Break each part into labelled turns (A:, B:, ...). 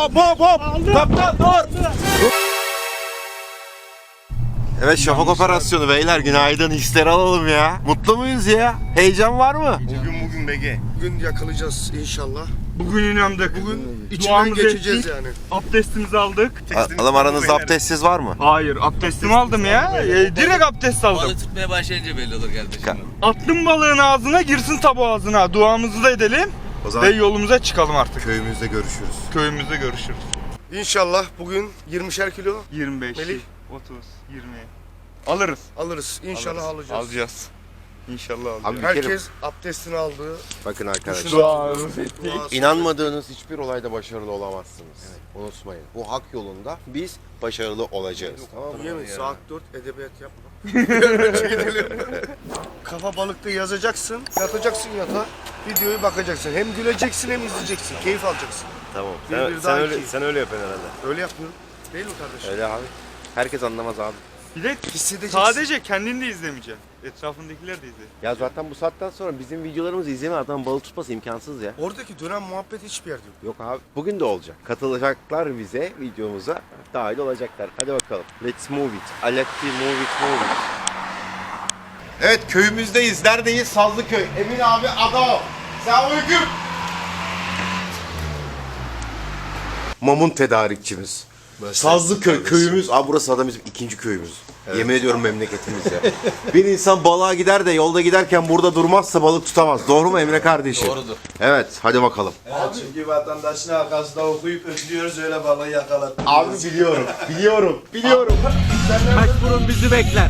A: hop. Kaptan dur. Evet, şafak operasyonu beyler, günaydın, hisleri alalım ya. Mutlu muyuz ya? Heyecan var mı?
B: Bugün BG. Bugün yakalayacağız inşallah.
C: Bugün inandık.
B: Bugün içinden
C: Duamızı
B: geçeceğiz
C: ettik.
B: yani.
C: Abdestimizi aldık.
A: Adam aranızda abdestsiz var mı?
C: Hayır, abdestimi aldım ya. Direkt abdest aldım.
D: Balık tutmaya başlayınca belli olur kardeşim.
C: Attım balığın ağzına, girsin tabu ağzına. Duamızı da edelim
A: O zaman
C: ve yolumuza çıkalım artık.
A: köyümüzde görüşürüz.
C: Köyümüzde görüşürüz.
B: İnşallah bugün 20'şer kilo
C: 25,
B: Melih.
C: 30, 20. Alırız.
B: alırız. İnşallah alacağız.
C: Alacağız. İnşallah alacağız.
A: Abi bir kere
B: Herkes abdestini aldı.
A: bakın arkadaşlar.
C: Duamızı ettik.
A: İnanmadığınız hiçbir olayda başarılı olamazsınız. Unutmayın. Bu hak yolunda biz başarılı olacağız. Tamam mı?
B: Yemin saat 4 edebiyat yapma. Gidelim. Kafa balıkta yazacaksın, yatacaksın yatağa. Videoyu bakacaksın. Hem güleceksin hem izleyeceksin. Keyif alacaksın.
A: Tamam.
B: Bir daha iki.
A: Sen öyle yapıyorsun herhalde.
B: Öyle yapıyorum. Değil mi kardeşim?
A: Öyle abi. Herkes anlamaz abi.
C: Bir de
B: Hissedeceksin.
C: sadece kendini de izlemeyeceksin. Etrafındakiler de izle.
A: Ya zaten bu saatten sonra bizim videolarımızı izleme, adam balık tutması imkansız ya.
B: Oradaki dönem muhabbet hiçbir yerde yok.
A: Yok abi. Bugün de olacak. Katılacaklar bize, videomuza dahil olacaklar. Hadi bakalım. Let's move it. Alatti move it. Evet, köyümüzdeyiz. Neredeyiz? Sazlıköy. Emin abi adam. Selamünaleyküm. Mamun tedarikçimiz. Sazlıköy köyümüz. Abi burası adam bizim ikinci köyümüz. Evet. Yemin ediyorum memleketimiz ya. Bir insan balığa gider de yolda giderken burada durmazsa balık tutamaz. Doğru mu Emre kardeşim?
D: Doğrudur.
A: Evet, hadi bakalım.
E: Çünkü vatandaşın arkasında okuyup öpüyoruz, öyle balığı yakaladık.
A: Abi biliyorum. Başburun bizi bekler.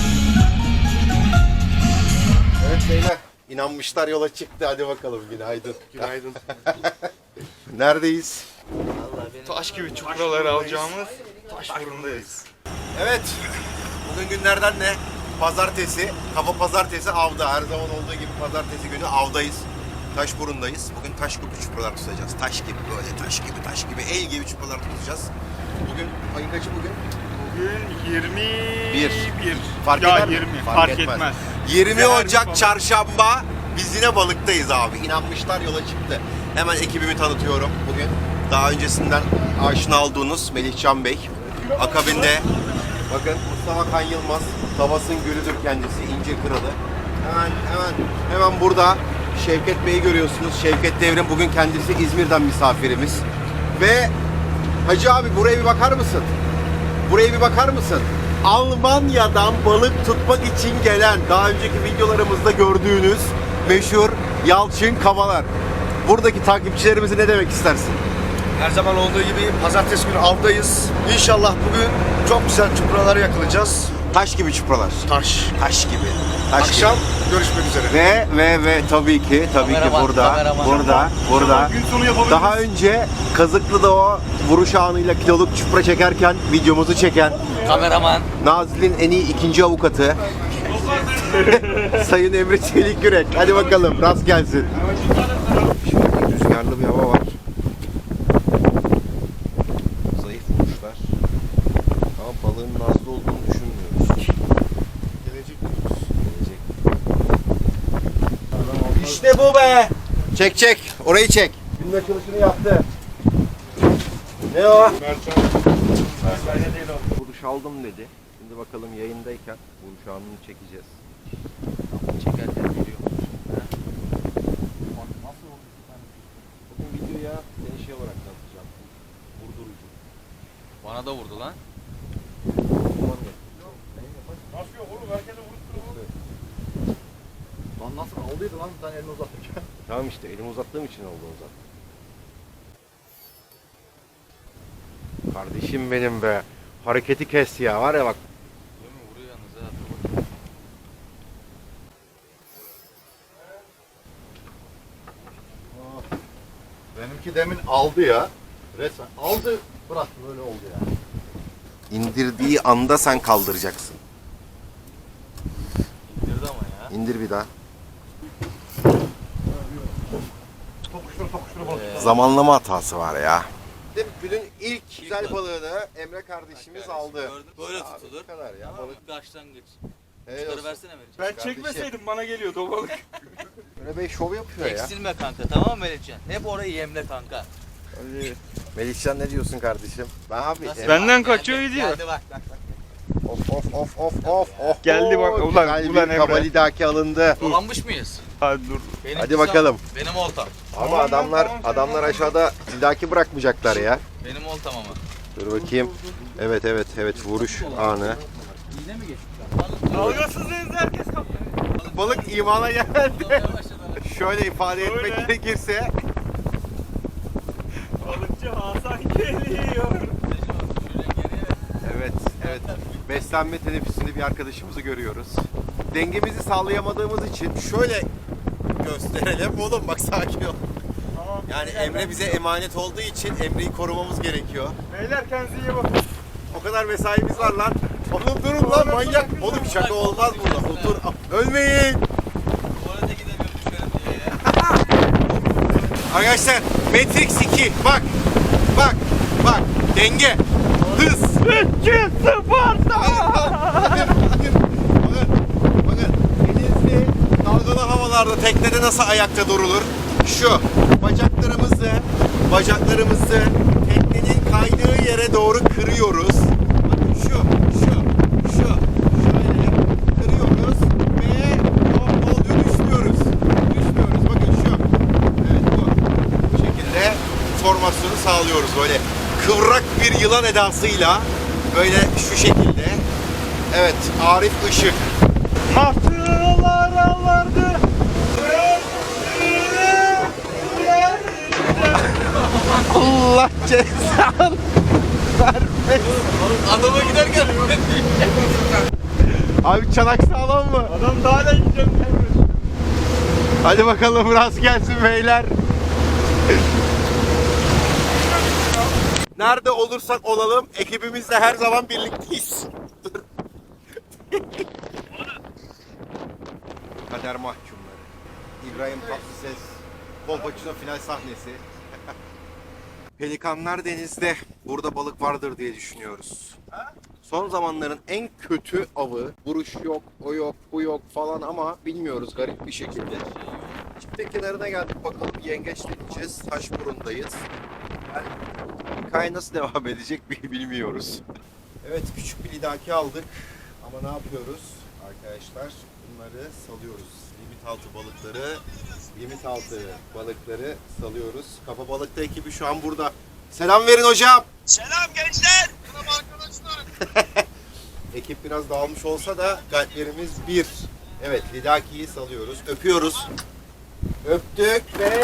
A: Evet beyler, inanmışlar yola çıktı. Hadi bakalım, günaydın.
B: Günaydın.
A: Neredeyiz?
C: Taş gibi çupraları alacağımız Taşburun'dayız.
A: Evet, bugün günlerden ne? Pazartesi, kafa pazartesi avda. Her zaman olduğu gibi pazartesi günü avdayız. Taşburun'dayız. Bugün taş gibi çupralar tutacağız. Taş gibi, böyle taş gibi, el gibi çupralar tutacağız. Bugün, ayın kaçı bugün?
C: Bugün 21.
A: Fark
C: ya
A: eder mi?
C: 20.
A: Fark
C: Fark
A: etmez.
C: etmez.
A: 20
C: Değer
A: Ocak
C: bir
A: Çarşamba biz yine balıktayız abi. İnanmışlar yola çıktı. Hemen ekibimi tanıtıyorum bugün. Daha öncesinden aşina olduğunuz Melihcan Bey. Akabinde bakın Mustafa Kan Yılmaz. Tavas'ın gülüdür kendisi. İncir kralı. Hemen burada Şevket Bey'i görüyorsunuz. Şevket Devrim bugün kendisi İzmir'den misafirimiz. Ve Hacı abi buraya bir bakar mısın? Buraya bir bakar mısın? Almanya'dan balık tutmak için gelen, daha önceki videolarımızda gördüğünüz meşhur Yalçın Kavalar. Buradaki takipçilerimize ne demek istersin?
B: Her zaman olduğu gibi pazartesi günü avdayız. İnşallah bugün çok güzel çupraları yakalayacağız.
A: Taş gibi çupralar.
B: Taş.
A: Taş gibi. Taş
B: Akşam
A: gibi.
B: görüşmek üzere.
A: Ve tabii ki
D: Kameraman, kameraman.
A: burada.
C: Gün sonu yapabiliriz.
A: Daha önce Kazıklı'da o vuruş anıyla kiloluk çupra çekerken videomuzu çeken
D: Kameraman.
A: Nazilli'nin en iyi ikinci avukatı Sayın Emre Çelik Yürek. Hadi bakalım, rast gelsin. Şimdi rüzgarlı bir hava var. Zayıf vuruşlar. Ama balığın nazlı olduğunu düşünmüyoruz.
B: Gelecek.
A: İşte bu be! Çek. Orayı çek. Günün açılışını yaptı. Ne o? Vuruş aldım dedi. Şimdi bakalım yayındayken vuruş anını çekeceğiz.
D: Çekerken geliyor.
A: Bugün videoya seni şey olarak tanıtacağım. Vurdurucu.
D: Bana da vurdu lan.
E: Lan nasıl aldıydı lan sen elini uzatırken?
A: Tamam işte, elimi uzattığım için oldu o zaten. Kardeşim benim be. Hareketi kes ya, var ya bak.
D: Değil mi? Vuruyor yalnız ha.
E: Benimki demin aldı ya. Resmen aldı, bıraktı, böyle oldu ya.
A: İndirdiği anda sen kaldıracaksın.
D: İndirdi ama ya.
A: İndir bir daha.
E: Tokuştur balık.
A: Zamanlama hatası var ya. Günün ilk güzel balığını Emre kardeşimiz aldı.
D: Gördün? Böyle tutulur.
A: Bu kadar ya.
D: Tamam,
A: Balık.
D: başlangıç.
A: Helal
D: Çıkarı
A: olsun.
D: versene Melihcan.
C: Ben
A: Kardeşim.
C: çekmeseydim bana geliyordu o balık.
A: Emre Bey şov yapıyor ya.
D: Eksilme kanka, tamam mı Melihcan? Hep orayı yemle kanka.
A: Melihcan ne diyorsun kardeşim? Ben abi.
C: Benden kaçıyor gidiyor.
D: Geldi bak bak bak.
A: Of.
C: Geldi bak, ulan,
A: Güzel
C: ulan
A: bir
C: Emre.
A: kabalidaki alındı.
D: Dolanmış mıyız?
C: Hadi dur.
D: Benimki
A: Hadi bakalım.
D: Benim oltam.
A: Ama adamlar aşağıda lidaki bırakmayacaklar ya.
D: Benim oltam ama.
A: Dur bakayım. Evet vuruş anı.
D: Yine mi geçti?
C: Dalgasız denizde herkes kaptı.
A: Balık imana geldi.
D: Yavaş yavaş.
A: Şöyle ifade etmek
C: Öyle.
A: gerekirse
C: Balıkçı Hasan geliyor.
A: evet. Beslenme teneffüsünde bir arkadaşımızı görüyoruz. Dengemizi sağlayamadığımız için şöyle gösterelim. Oğlum bak sakin ol.
C: Tamam.
A: Yani Emre bize emanet olduğu için Emre'yi korumamız gerekiyor.
C: Beyler kendinize iyi bakın.
A: O kadar mesaimiz var lan. Oğlum durun lan manyak. Oğlum şaka olmaz burada. Otur. Ölmeyin.
D: Tuvalete gidemiyorum düşerim diye ya.
A: Arkadaşlar Matrix 2 bak. Denge. Hız.
C: 3-0'da.
A: Bakın. Denizli dalgalı havalarda teknede nasıl ayakta durulur? Şu bacaklarımızı teknenin kaydığı yere doğru kırıyoruz. Bakın şu şöyle kırıyoruz ve olduğu düşmüyoruz. Bakın şu. Evet bu şekilde formasyonu sağlıyoruz böyle kıvrak bir yılan edasıyla böyle şu şekilde. Evet Arif Işık.
C: Martılar ağlardı.
A: Allah cezanı vermesin.
D: Adama giderken
A: Abi çanak sağlam mı?
C: Adam daha da gideceğim.
A: Hadi bakalım rast gelsin beyler. Nerede olursak olalım ekibimizle her zaman birlikteyiz. Kader mahkumları. İbrahim Tatlıses. Kolpaçino final sahnesi. Pelikanlar denizde. Burada balık vardır diye düşünüyoruz. Son zamanların en kötü avı. Vuruş yok, o yok, bu yok falan ama bilmiyoruz garip bir şekilde. Çifte kenarına geldik bakalım yengeç deneyeceğiz. Taşburun'dayız. Yani hikaye nasıl devam edecek bilmiyoruz. Evet küçük bir lidaki aldık. Ama ne yapıyoruz arkadaşlar? Bunları salıyoruz. Limit altı balıkları salıyoruz. Kafa balıkta ekibi şu an burada. Selam verin hocam.
C: Selam gençler.
A: Selam arkadaşlar. Ekip biraz dağılmış olsa da kalplerimiz bir. Evet lidakiyi salıyoruz. Öpüyoruz. Öptük ve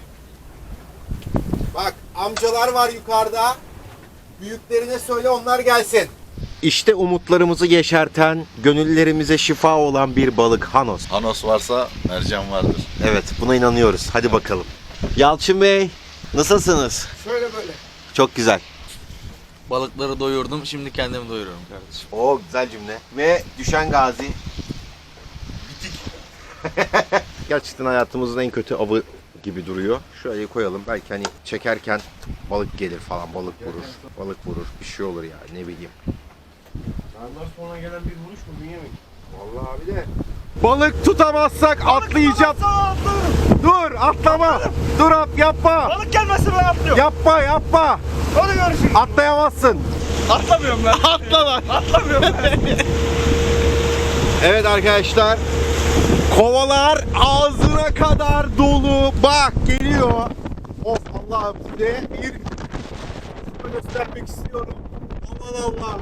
A: bak amcalar var yukarıda. Büyüklerine söyle onlar gelsin. İşte umutlarımızı yeşerten, gönüllerimize şifa olan bir balık Hanos.
E: Hanos varsa mercan vardır.
A: Evet buna inanıyoruz. Hadi bakalım. Yalçın Bey nasılsınız?
B: Şöyle böyle.
A: Çok güzel.
D: balıkları doyurdum. Şimdi kendimi doyuruyorum kardeşim.
A: Oo güzel cümle. Ve düşen gazi. Bitik. Gerçekten hayatımızın en kötü avı gibi duruyor. Şöyle koyalım. Belki hani çekerken balık gelir falan. Balık vurur. Bir şey olur ya. Ne bileyim.
B: Ondan sonra gelen bir vuruş mu Bünyamin?
A: Vallahi abi de. Balık tutamazsak atlayacağım. Dur atlama. Dur yapma.
C: Balık gelmezse ben atlıyorum.
A: Yapma.
C: Hadi görüşürüz.
A: Atlayamazsın.
C: Atlamıyorum ben.
A: Atla lan.
C: Atlamıyorum ben.
A: Evet arkadaşlar. Kovalar ağzına kadar dolu. Bak geliyor. Of Allah'ım size bir göstermek istiyorum. Aman Allah'ım.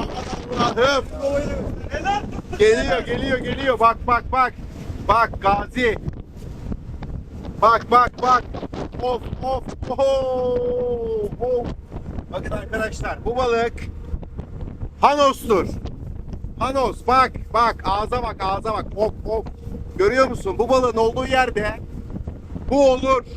A: Geliyor. Bak. Bak Gazi. Bak. Of. Bakın arkadaşlar bu balık Hanos'tur. Hanos bak ağza bak. Of. Görüyor musun? Bu balığın olduğu yerde bu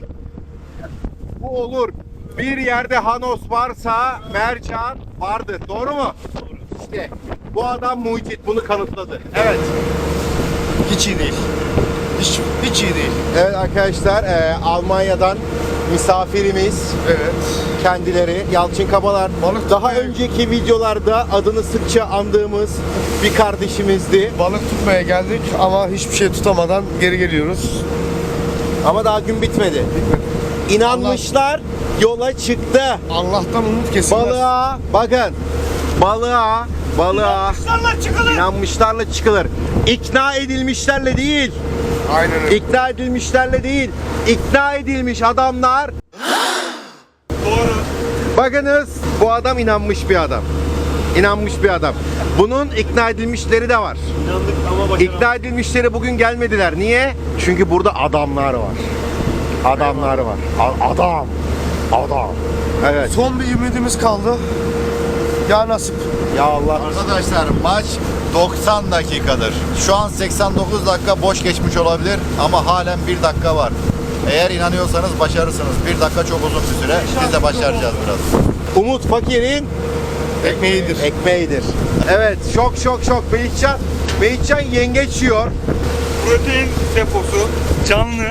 A: olur. Bir yerde Hanos varsa mercan vardır. Doğru mu? İşte bu adam mucit bunu kanıtladı. Evet.
B: Hiç iyi değil. Hiç iyi değil.
A: Evet arkadaşlar Almanya'dan misafirimiz
B: Evet.
A: kendileri Yalçın Kabalar.
B: Balık
A: Daha
B: tutmaya-
A: önceki videolarda adını sıkça andığımız bir kardeşimizdi.
B: Balık tutmaya geldik ama hiçbir şey tutamadan geri geliyoruz.
A: Ama daha gün bitmedi. İnanmışlar, yola çıktı.
B: Allah'tan umut kesilmez.
A: Balığa bakın. Balığa inanmışlarla çıkılır. İkna edilmişlerle değil.
B: Aynen öyle.
A: İkna edilmişlerle değil. İkna edilmiş adamlar.
C: Doğru.
A: Bakınız bu adam inanmış bir adam. İnanmış bir adam. Bunun ikna edilmişleri de var.
C: İnandık ama
A: İkna edilmişleri bugün gelmediler. Niye? Çünkü burada adamlar var. Adamlar var. Adam. Evet.
B: Son bir ümidimiz kaldı. Ya nasip.
A: Ya Allah.
E: Arkadaşlar maç 90 dakikadır. Şu an 89 dakika boş geçmiş olabilir ama halen 1 dakika var. Eğer inanıyorsanız başarırsınız. 1 dakika çok uzun bir süre. Biz de başaracağız biraz.
A: Umut fakirin ekmeğidir. Evet, şok. Melihcan yengeç yiyor.
C: protein deposu canlı.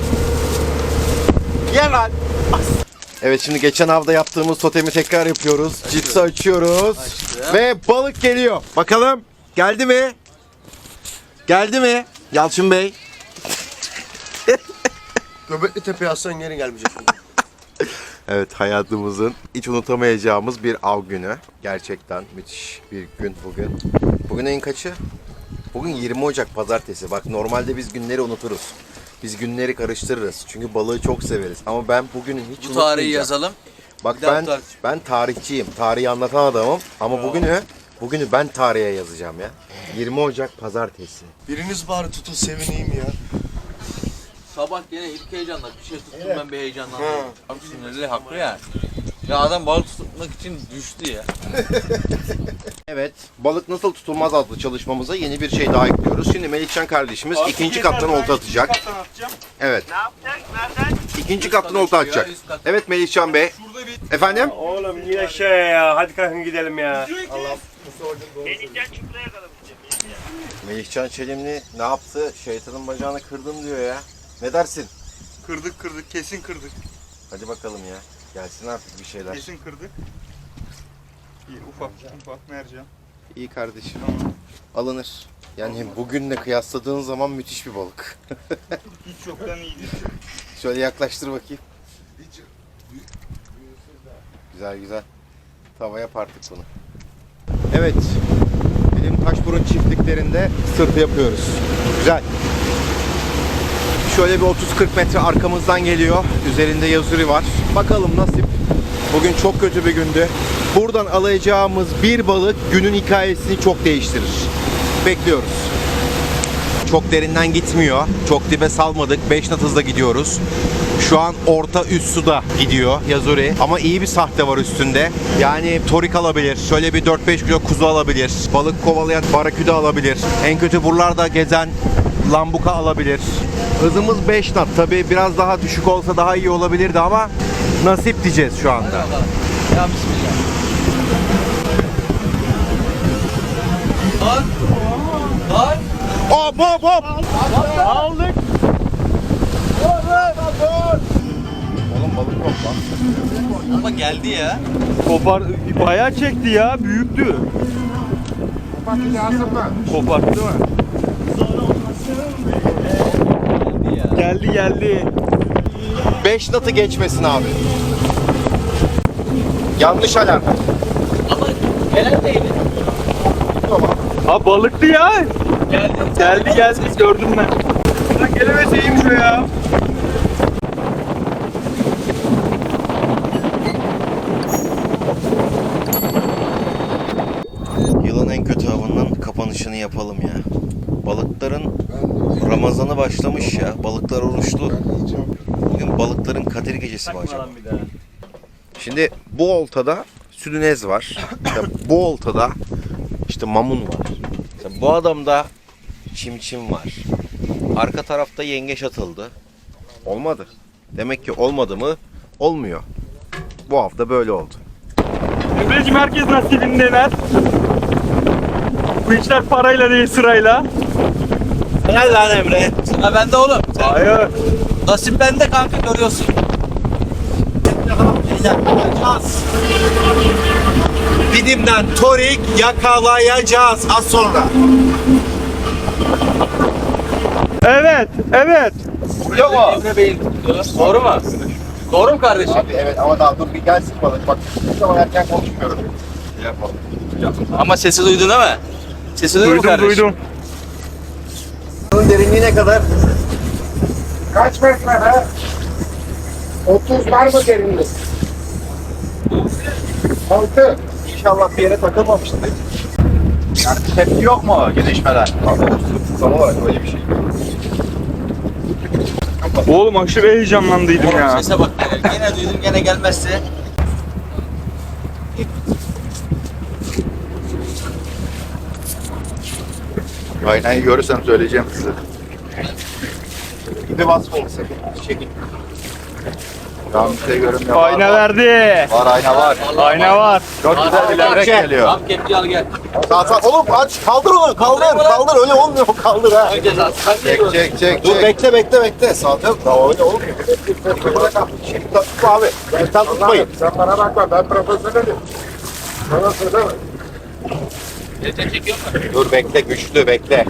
A: Ye lan. Evet, şimdi geçen hafta yaptığımız totemi tekrar yapıyoruz. Cipsi açıyoruz. Ve balık geliyor. Bakalım geldi mi? Geldi mi? Yalçın Bey.
B: Göbekli Tepe'ye aslan geri gelmeyecek.
A: Evet, hayatımızın hiç unutamayacağımız bir av günü. Gerçekten müthiş bir gün bugün. Bugün ayın kaçı? Bugün 20 Ocak pazartesi. Bak normalde biz günleri unuturuz. Biz günleri karıştırırız. Çünkü balığı çok severiz. Ama ben bugünü hiç
D: Bu tarihi
A: unutmayacağım.
D: yazalım.
A: Bak
D: Bir daha
A: ben
D: bu tarih.
A: ben tarihçiyim. Tarihi anlatan adamım. Ama bugünü ben tarihe yazacağım ya. 20 Ocak pazartesi.
B: Biriniz bari tutun sevineyim ya.
D: Sabah gene ilk heyecanla bir şey tuttum ben bir heyecanlandım. Abi sinirli haklı ya. Ya adam balık tutmak için düştü ya.
A: Evet, balık nasıl tutulmaz adlı çalışmamıza yeni bir şey daha ekliyoruz. Şimdi Melihcan kardeşimiz ikinci kattan olta atacak. Evet.
C: Ne yapacak? Nereden?
A: İkinci kattan olta atacak. Evet Melihcan Bey.
C: Burada bir
A: Efendim?
F: Oğlum yine şey ya. Hadi kalkın gidelim ya.
A: Melihcan Çelimli ne yaptı? Şeytanın bacağını kırdım diyor ya. Ne dersin?
C: Kırdık kesin kırdık.
A: Hadi bakalım ya. Gelsin artık bir şeyler.
C: Kesin kırdık. İyi ufak mercan.
A: İyi kardeşim. Alınır. Yani bugünle kıyasladığın zaman müthiş bir balık.
C: Hiç yoktan iyidir.
A: Şöyle yaklaştır bakayım. Güzel. Tavaya partık bunu. Evet. Bizim Taşburun çiftliklerinde sırtı yapıyoruz. Güzel. Şöyle bir 30-40 metre arkamızdan geliyor. Üzerinde yazuri var. Bakalım nasip. Bugün çok kötü bir gündü. Buradan alacağımız bir balık günün hikayesini çok değiştirir. Bekliyoruz. Çok derinden gitmiyor. Çok dibe salmadık. 5 knot hızla gidiyoruz. Şu an orta üst suda gidiyor yazuri. Ama iyi bir sahte var üstünde. Yani torik alabilir. Şöyle bir 4-5 kilo kuzu alabilir. Balık kovalayan baraküda alabilir. En kötü buralarda gezen lambuka alabilir. Hızımız 5 knot. Tabii biraz daha düşük olsa daha iyi olabilirdi ama nasip diyeceğiz şu anda.
D: Ya bismillah. Lan.
A: Hop hop hop.
C: Aldık.
A: Oğlum balık yok lan.
D: Ama geldi ya.
C: Kopar bayağı çekti ya. Büyüktü. Koparttı mı? Geldi.
A: 5 knot'u geçmesin abi. Yanlış alarm.
D: Ama gelen değildi.
C: Ha balıktı ya. Geldi gördüm ben. Lan gelemeseyim şu ya.
A: Yılın en kötü avının kapanışını yapalım ya. Balıkların Ramazanı başlamış ya. Balıklar oruçlu. Bugün balıkların Kadir gecesi mi acaba? Şimdi bu oltada südünez var. İşte bu oltada işte mamun var. İşte bu adamda çimçim var. Arka tarafta yengeç atıldı. Olmadı. Demek ki olmadı mı? Olmuyor. Bu hafta böyle oldu.
C: Emre'cim herkes nasibindeler. Bu işler parayla değil sırayla.
A: Helal lan Emre.
D: Sıra bende oğlum.
C: Hayır.
D: Nasip bende kanka görüyorsun.
A: Didim'den torik yakalayacağız az sonra.
C: Evet.
D: Emre Bey'in tuttu. Doğru mu? Doğru mu kardeşim?
A: Abi evet ama daha dur bir gelsin balık. Bak hiçbir zaman erken konuşmuyorum. Yapalım.
D: Ama sesi duydun değil mi? Sesi duydun mu kardeşim?
A: Bunun derinliği ne kadar?
B: Kaç metre be? 30 var mı derinlik? 6.
A: İnşallah bir yere takılmamıştır.
E: Yani tepki yok mu gelişmeler?
A: Sana var öyle bir şey.
C: Oğlum aşırı heyecanlandıydım
D: Oğlum
C: ya.
D: sese bak. Gene duydum gene gelmezse.
E: Aynayı görürsem söyleyeceğim size.
A: İpi basmayın sakın. Çekin.
E: Şu an bir şey görünmüyor.
C: Ayna verdi.
E: Var ayna var.
C: Ayna var.
E: Çok güzel bir levrek geliyor.
D: Tam kepçe al gel.
A: Sağ sağ. Oğlum aç. Kaldır onu. Kaldır. Öyle olmuyor. Kaldır ha.
D: Önce zaten
E: Çek.
A: Dur bekle. Sağ ol. Daha öyle olmuyor. Şimdi tutma abi. Sen tutmayın.
B: Sen bana bakma, ben profesyonelim. Bana söyleme.
D: çekiyor mu?
A: Dur bekle güçlü bekle.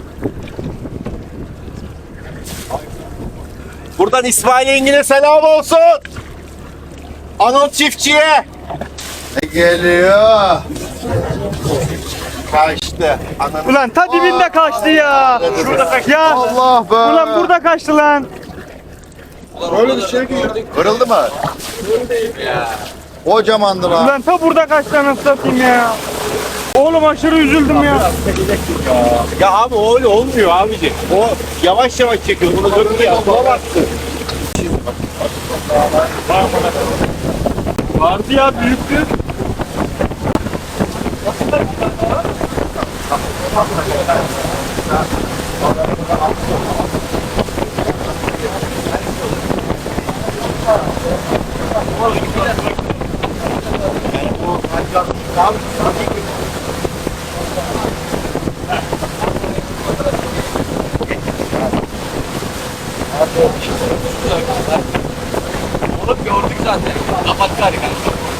A: Buradan İsmail Engin'e selam olsun. Anıl çiftçiye.
E: Ne geliyor?
A: Kaçtı. Ananı.
C: Ulan ta dibinde kaçtı ya. Ya.
E: Allah be.
C: Ulan burada kaçtı lan.
B: Böyle bir şey değil.
E: Kırıldı mı? Kocamandı lan.
C: Ulan ta burada kaçtı anasını satayım ya. Oğlum aşırı üzüldüm ya.
F: Ya abi öyle olmuyor abici. O yavaş yavaş çekiyor. Bunu döktü ya. Bulamazsın.
C: Vardı ya büyüktü.
D: Oğlum gördük zaten. Kapat gari.